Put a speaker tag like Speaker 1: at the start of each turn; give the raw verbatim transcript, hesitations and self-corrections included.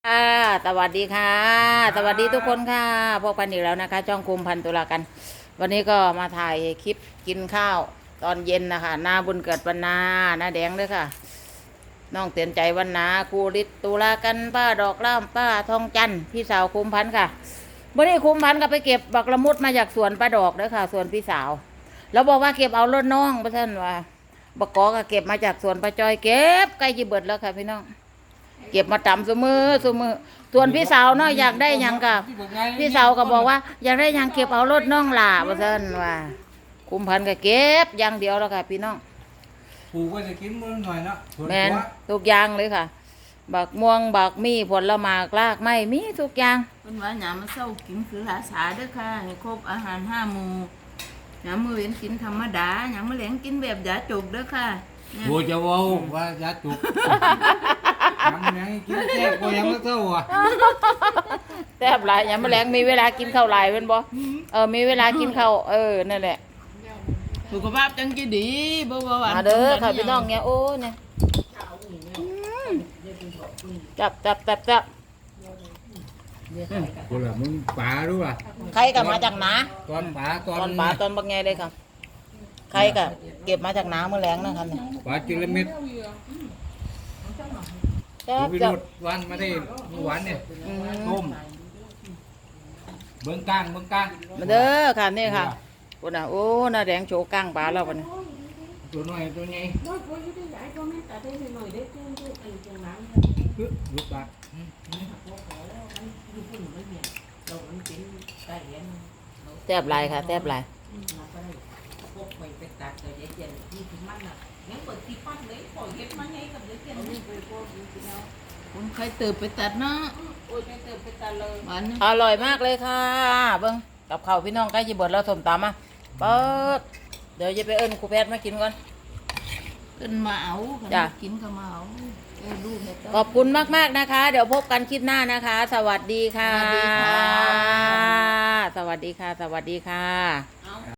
Speaker 1: ค่ะสวัสดีค่ะ สวัสดีทุกคนค่ะพบกันอีกแล้วนะคะช่องคุมพันตุลากัน วันนี้ก็มาถ่ายคลิปกินข้าวตอนเย็นนะคะหน้าบุญเกิดวันนาหน้าแดงด้วยค่ะน้องเตือนใจวันนาครูฤทธิ์ตุลากันป้าดอกล่ามป้าทองจันทร์พี่สาวคุมพันค่ะวันนี้คุมพันก็ไปเก็บบักละมุดมาจากสวนป้าดอกด้วยค่ะสวนพี่สาวแล้วบอกว่าเก็บเอารถน้องเพื่อนว่าบักกอก็เก็บมาจากสวนป้าจอยเก็บใกล้จะเบิดแล้วค่ะพี่น้องเก็บมาตำสมือสมือส่วนพี่สาวเนาะอยากได้หยังกับพี่สาวก็บอกว่าอยากได้หยังเก็บเอารถน้องหล่าว่าซั่นว่าคุมพันก็เก็บอย่างเดียวแล้วค่ะพี่น้อง
Speaker 2: ปลูกก็จะกินมื้อหน่อยเนาะ
Speaker 1: แม่นทุกอย่างเลยค่ะบักม่วงบักมีผลไม้รากไม้มีทุกอย่าง
Speaker 3: เพิ่นว่าหยามมาเช้ากินคือหาสาเด้อค่ะให้ครบอาหารห้าหมู่หยามมื้อเว้นกินธรรมดาหยามมื้อแลงกินแบบยาจุกเด้อค่ะเนี่ย
Speaker 2: โบจะเว้าว่ายาจุกทำยังกินแซ่บกว่ายังไม่เท่าอ่ะ
Speaker 1: แซ่บหลายยามมื้อแลงมีเวลากินข้าวหลายเพิ่นบ่เออมีเวลากินข้าวเออนั่นแหละ
Speaker 3: สุขภาพจังสิดีบ่บ่หวาน
Speaker 1: มาเด้อค่ะพี่น้องเนี่ยโอ้เนี่ยจับจับจับจับ
Speaker 2: กูละมึงป่ารู้ป่ะ
Speaker 1: ใครก็มาจากนา
Speaker 2: ตอนป่าต
Speaker 1: ต
Speaker 2: อ
Speaker 1: อน นป่าตอนบักไงเลยค่ะใครก็เก็บมาจากนาเมื่อแรงนะครับเนี่ย
Speaker 2: ป่าจิรมิตร
Speaker 1: แซ่บ
Speaker 2: วิ
Speaker 1: จั
Speaker 2: โร
Speaker 1: บ
Speaker 2: จน์วันมาได้เมื่อวานเนี่ย
Speaker 1: อืม
Speaker 2: ต้มเบิ้งกลางเบิ้งกลาง
Speaker 1: มาเด้อค่ะนี่ค่ะคนน่ะโอ้น่าแดงโชว์ก้างปลาแล้ววันนี้
Speaker 2: ตัวน้อยตัวใหญ่คือลูกปลา
Speaker 1: แซ่บหลายค่ะแซ่บหลาย
Speaker 3: คุณใครเติบไปตัดเนาะหวาน
Speaker 1: อร่อยมากเลยค่ะเบิ้งกับข้าวพี่น้องใกล้จะเบิดแล้วสมตำมาเปิดเดี๋ยวจะไปเอิ้นครูแพทย์มากินก่อน
Speaker 3: ขึ้นมาเอา
Speaker 1: จ้ะ
Speaker 3: กินก็มาเอาเออลูกเนี่ย
Speaker 1: ขอบคุณมากๆนะคะ เดี๋ยวพบกันคลิปหน้านะคะ สวัสดีค่ะ
Speaker 3: สวัสดีค่ะ
Speaker 1: สวัสดีค่ะ สวัสดีค่ะ